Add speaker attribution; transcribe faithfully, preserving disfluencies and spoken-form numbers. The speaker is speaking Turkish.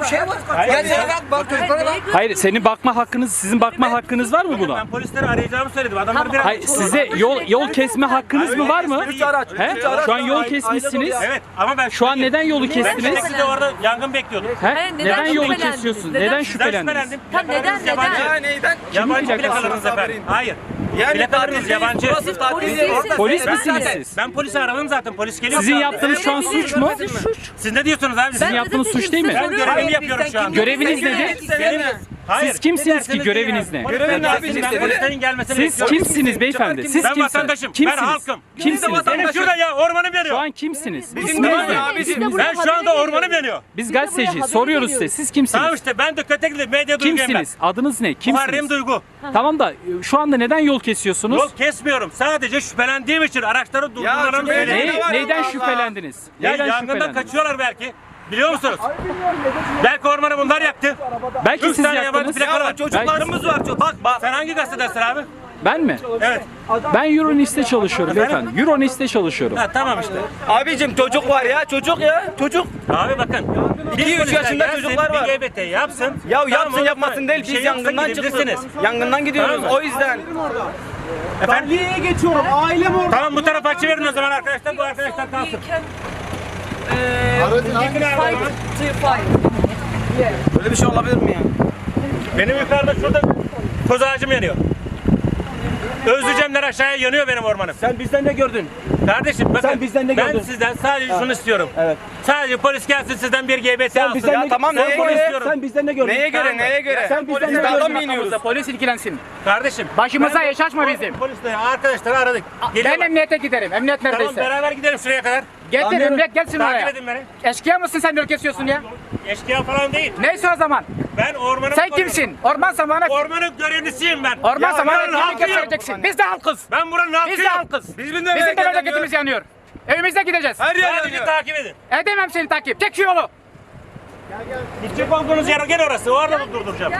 Speaker 1: şey var. Gel sana bak, bak çocuklara bak.
Speaker 2: Hayır, senin bakma hakkınız, sizin bakma hakkınız var mı buna?
Speaker 3: Ben polisleri arayacağımı söyledim. Adamlar biraz...
Speaker 2: Hayır, size yol yol kesme hakkınız mı var mı?
Speaker 3: Üç araç,
Speaker 2: He?
Speaker 3: üç araç.
Speaker 2: Şu an yol
Speaker 3: Aile
Speaker 2: kesmişsiniz.
Speaker 3: dolu ya. Evet ama ben
Speaker 2: Şu an neden yolu
Speaker 3: Ben
Speaker 2: kestiniz?
Speaker 3: de size orada yangın bekliyordum.
Speaker 2: He?
Speaker 4: Hayır, neden
Speaker 2: Neden yolu
Speaker 4: şüphelendiniz?
Speaker 2: kesiyorsun?
Speaker 4: Neden
Speaker 2: Neden
Speaker 3: Sizden
Speaker 2: şüphelendiniz?
Speaker 3: şüphelendim.
Speaker 4: Tam neden,
Speaker 3: Plakalarınız
Speaker 4: neden?
Speaker 3: yabancı.
Speaker 1: Ya neyden?
Speaker 3: Yabancı
Speaker 2: plakası?
Speaker 3: plakalarınız efendim. Hayır.
Speaker 1: Yani
Speaker 3: Plakalarınız yabancı.
Speaker 1: Burası tatil
Speaker 4: Polis
Speaker 1: değil.
Speaker 4: değilsiniz.
Speaker 2: Polis
Speaker 3: Ben
Speaker 2: misiniz
Speaker 3: zaten-
Speaker 2: siz?
Speaker 3: Ben polisi aradım zaten. Polis geliyor.
Speaker 2: Sizin
Speaker 3: şu an.
Speaker 2: yaptığınız şu an suç mu?
Speaker 3: Siz ne diyorsunuz abi?
Speaker 2: Sizin
Speaker 3: Ben,
Speaker 2: yaptığınız
Speaker 4: dedim,
Speaker 2: suç değil mi?
Speaker 4: size
Speaker 3: ben
Speaker 4: soruyorum.
Speaker 3: görevimi yapıyorum şu an.
Speaker 2: Göreviniz nedir?
Speaker 3: Benim- Hayır.
Speaker 2: Siz kimsiniz
Speaker 3: Ne
Speaker 2: ki?
Speaker 3: derseniz
Speaker 2: Göreviniz
Speaker 3: deyin
Speaker 2: ne?
Speaker 3: yani.
Speaker 1: Görevin
Speaker 3: Ben-
Speaker 1: abi,
Speaker 3: ben
Speaker 1: siz-
Speaker 3: polislerin gelmesini
Speaker 2: Siz
Speaker 3: bekliyorum.
Speaker 2: kimsiniz beyefendi? Siz
Speaker 3: Ben
Speaker 2: kimsiniz?
Speaker 3: vatandaşım.
Speaker 2: Kimsiniz?
Speaker 3: Ben halkım.
Speaker 2: Kimsiniz?
Speaker 3: Benim şurada ya ormanım yanıyor.
Speaker 2: Şu an kimsiniz?
Speaker 1: Bizim
Speaker 2: İsminiz
Speaker 1: de
Speaker 2: ne?
Speaker 1: abi, bizim-
Speaker 3: Ben şu anda ormanım yanıyor.
Speaker 2: Biz gazeteci soruyoruz size. Siz kimsiniz?
Speaker 3: Tamam işte ben de Kötekli medya duyguyum ben.
Speaker 2: Kimsiniz? Adınız ne?
Speaker 3: Muharrem
Speaker 2: Kimsiniz?
Speaker 3: Duygu.
Speaker 2: Tamam da şu anda neden yol kesiyorsunuz?
Speaker 3: Yol kesmiyorum. Sadece şüphelendiğim için araçları durdurmalarını
Speaker 1: şüpheli-
Speaker 3: söyleyeyim.
Speaker 2: Ne,
Speaker 1: var
Speaker 2: neyden
Speaker 1: Allah Allah.
Speaker 2: şüphelendiniz?
Speaker 3: Ya
Speaker 2: Neyden
Speaker 3: yangından
Speaker 2: şüphelendiniz?
Speaker 3: kaçıyorlar belki. Biliyor musunuz? Belki ormanı bunlar yaktı.
Speaker 2: Belki
Speaker 3: Üç
Speaker 2: siz
Speaker 3: tane yabancı
Speaker 2: yaktınız.
Speaker 3: plaka
Speaker 1: Ya
Speaker 3: var.
Speaker 1: çocuklarımız var. çocuk- Bak bak.
Speaker 3: Sen hangi gazetedesin abi?
Speaker 2: Ben mi?
Speaker 3: Evet.
Speaker 2: Ben Euronist'te çalışıyorum beyefendi. Euronist'te çalışıyorum.
Speaker 3: Ha tamam işte.
Speaker 1: Abicim çocuk var ya. Çocuk ya. Çocuk.
Speaker 3: Abi bakın.
Speaker 1: İki,
Speaker 3: bir
Speaker 1: üç
Speaker 3: polisler
Speaker 1: yaşında
Speaker 3: gelsin,
Speaker 1: çocuklar var.
Speaker 3: Bir G B T yapsın.
Speaker 1: Ya
Speaker 3: Tamam,
Speaker 1: yapsın
Speaker 3: onu-
Speaker 1: yapmasın değil.
Speaker 3: Bir şey
Speaker 1: Biz
Speaker 3: yoksa
Speaker 1: yangından çıktık.
Speaker 3: gidebilirsiniz.
Speaker 1: Yangından gidiyoruz.
Speaker 3: Tamam mı?
Speaker 1: O yüzden.
Speaker 3: Efendim?
Speaker 5: geçiyorum. Ailem orada.
Speaker 3: Tamam bu tarafa açıverin o zaman arkadaşlar. Bu arkadaşlar kalsın. Yıkın abi o zaman.
Speaker 1: Böyle bir şey olabilir mi ya?
Speaker 3: Benim yukarıda şurada koz ağacım yanıyor. Özleyeceğimler aşağıya yanıyor benim ormanım.
Speaker 5: Sen bizden ne gördün?
Speaker 3: Kardeşim bakın
Speaker 5: Sen bizden ne
Speaker 3: ben
Speaker 5: gördün?
Speaker 3: sizden sadece şunu istiyorum.
Speaker 5: Evet.
Speaker 3: Sadece polis gelsin sizden bir G B T alsın.
Speaker 5: bizden
Speaker 1: Ya
Speaker 5: ne-
Speaker 1: tamam
Speaker 5: sen
Speaker 1: neye
Speaker 5: polis-
Speaker 1: göre?
Speaker 5: Sen bizden ne gördün?
Speaker 1: Neye göre? Neye göre?
Speaker 5: Sen bizden
Speaker 1: Biz
Speaker 5: ne
Speaker 1: dağdan
Speaker 5: gördün?
Speaker 1: mı iniyoruz?
Speaker 6: Polis ilgilensin.
Speaker 3: Kardeşim.
Speaker 6: Başımıza
Speaker 3: ben-
Speaker 6: iş açma bizim.
Speaker 3: Polisle arkadaşları aradık.
Speaker 6: Ben
Speaker 3: Geliyorlar.
Speaker 6: emniyete giderim. Emniyet
Speaker 3: Tamam
Speaker 6: neredeyse.
Speaker 3: beraber gidelim şuraya kadar.
Speaker 6: Getir
Speaker 5: Anlıyorum.
Speaker 6: emniyet gelsin
Speaker 3: Takip
Speaker 6: oraya.
Speaker 3: edin beni.
Speaker 6: Eşkıya mısın sen yol kesiyorsun ya?
Speaker 3: Eşkıya falan değil.
Speaker 6: Neyse o zaman.
Speaker 3: Ben ormanı
Speaker 6: Sen kimsin? Orman zamanı.
Speaker 3: Ormanın görevlisiyim ben.
Speaker 6: Orman
Speaker 3: Ya
Speaker 6: zamanı
Speaker 3: ben
Speaker 6: kimi
Speaker 3: halkıyım.
Speaker 6: keseceksin? Biz de halkız.
Speaker 3: Ben buranın
Speaker 6: Biz de
Speaker 3: halkıyım.
Speaker 6: halkız.
Speaker 1: Biz de
Speaker 6: Bizim de memleketimiz yanıyor. Evimize gideceğiz.
Speaker 1: Her yer
Speaker 3: Sadece
Speaker 1: yanıyor.
Speaker 3: takip edin.
Speaker 6: Edemem seni takip. Tek şu yolu.
Speaker 3: Gidecek olduğunuz yer gel orası. Orada durduracağım.